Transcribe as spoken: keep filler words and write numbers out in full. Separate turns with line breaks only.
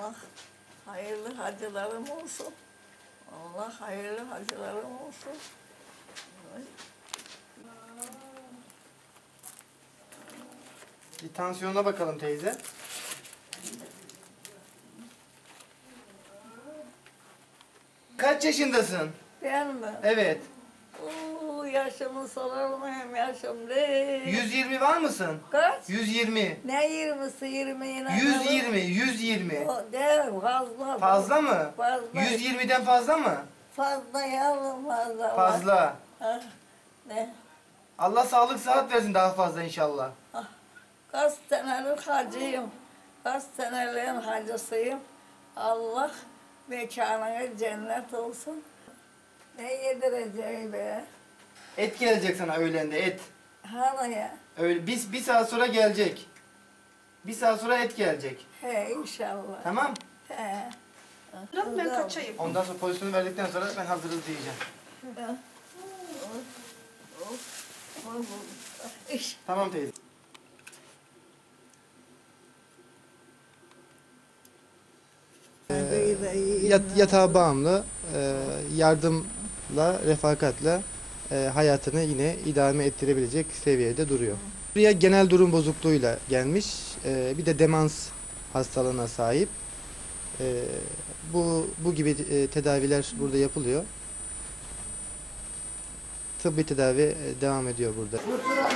Allah hayırlı hacılarım olsun. Allah hayırlı hacılarım olsun.
Bir tansiyonuna bakalım teyze. Kaç yaşındasın?
Ben mi?
Evet.
Oo, yaşımı sorar mıyım yaşım değil.
yüz yirmi var mısın?
Kaç?
yüz yirmi.
Ne yirmisi yirmiyle?
yüz yirmi, yüz yirmi.
O değil fazla.
Fazla mı?
Fazla.
yüz yirmiden fazla mı?
Fazla yavrum fazla.
Fazla.
Ha, ne?
Allah sağlık sıhhat versin daha fazla inşallah.
Kaç senelik hacıyım. Kaç seneliğin hacısıyım. Allah mekanına cennet olsun. Ne yedireceği be?
Et gelecek sana öğlende et.
Hani ya?
Öyle biz bir saat sonra gelecek. Bir saat sonra et gelecek.
He inşallah.
Tamam?
He.
Ben kaçayım.
Ondan sonra pozisyonu verdikten sonra ben hazırız diyeceğim.
İş.
Tamam teyze. Yat, yatağa bağımlı, e, yardımla, refakatla e, hayatını yine idame ettirebilecek seviyede duruyor. Buraya genel durum bozukluğuyla gelmiş, e, bir de demans hastalığına sahip. E, bu bu gibi e, tedaviler burada yapılıyor. Tıbbi tedavi e, devam ediyor burada.